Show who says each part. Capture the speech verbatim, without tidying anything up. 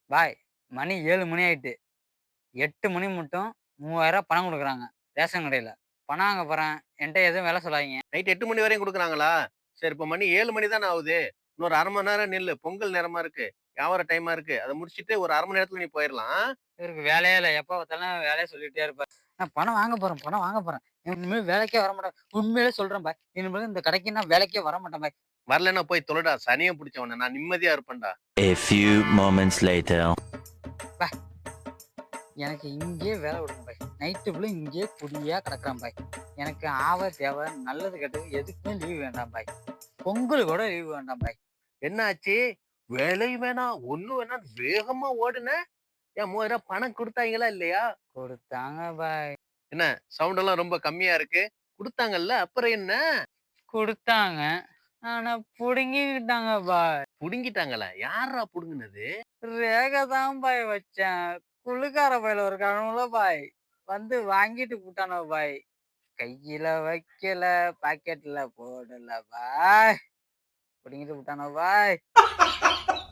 Speaker 1: பாய் மணி ஏழு மணி ஆயிட்டு. எட்டு மணி மட்டும் மூவாயிரம் பணம் குடுக்குறாங்க. ரேஷன் கடையில. பணம் வாங்க போறேன். என்ட்ட எதுவும் வேல சொல்லாதீங்க.
Speaker 2: நைட் எட்டு மணி வரையும் குடுக்குறாங்களா? சரி இப்ப மணி ஏழு மணி தானே ஆவுது. இன்னொரு அரை மணி நேரம் நில்லு. பொங்கல் நேரமா இருக்கு. வியாபார டைமா இருக்கு. அத முடிச்சுட்டு ஒரு அரை மணி நேரத்துல நீ போயிரலாம்.
Speaker 1: இவருக்கு வேலையே இல்ல. எப்ப பார்த்தாலும் வேலைய சொல்லிட்டே இருப்பாரு. நான் பணம் வாங்க போறேன், பணம் வாங்க போறேன். இனிமே வேலைக்கே வரமாட்டேன். உண்மையிலே சொல்றேன் பாய். இனிமேல் இந்த கடைக்கு நான் வேலைக்கே வரமாட்டேன் பாய்.
Speaker 2: வரலன்னா போய் தொலைடா. சனியன் புடிச்சவனே. நான் நிம்மதியா இருப்பேன்டா.
Speaker 3: A few moments later.
Speaker 1: பாய் எனக்கு இங்கேயே வேலை விடுங்க பாய். நைட்டு ஃபுல்லா இங்கேயே குடியா கிடக்குறேன் பாய். எனக்கு ஆவ, தேவ, நல்லது கெட்டது எதுக்குமே லீவ் வேண்டாம் பாய். பொங்கலுக்கு கூட லீவ் வேண்டாம் பாய்.
Speaker 2: என்ன ஆச்சு? வேலையும் வேணாம், ஒண்ணும் வேணாம் வேகமா ஓடுன. ஏன் மூவாயிரம் பணம் குடுத்தாய்ங்களா இல்லையா?
Speaker 1: குடுத்தாங்க பாய்.
Speaker 2: என்ன சவுண்ட் எல்லாம் ரொம்ப கம்மியா இருக்கு. குடுத்தாங்கல்ல, அப்புறம் என்ன?
Speaker 1: குடுத்தாங்க. ஆனா புடுங்கிக்கிட்டாங்க பாய்.
Speaker 2: புடுங்கிட்டாங்களா? யார்றா புடுங்குனது?
Speaker 1: ரேகை தான் பாய் வச்சேன். குளுக்கார பயல இருக்கானுல பாய். வந்து வாங்கிட்டு புட்டானுக பாய். கையில வைக்கல, பாக்கெட்ல போடல பாய். புடுங்கிட்டு புட்டானுக பாய்.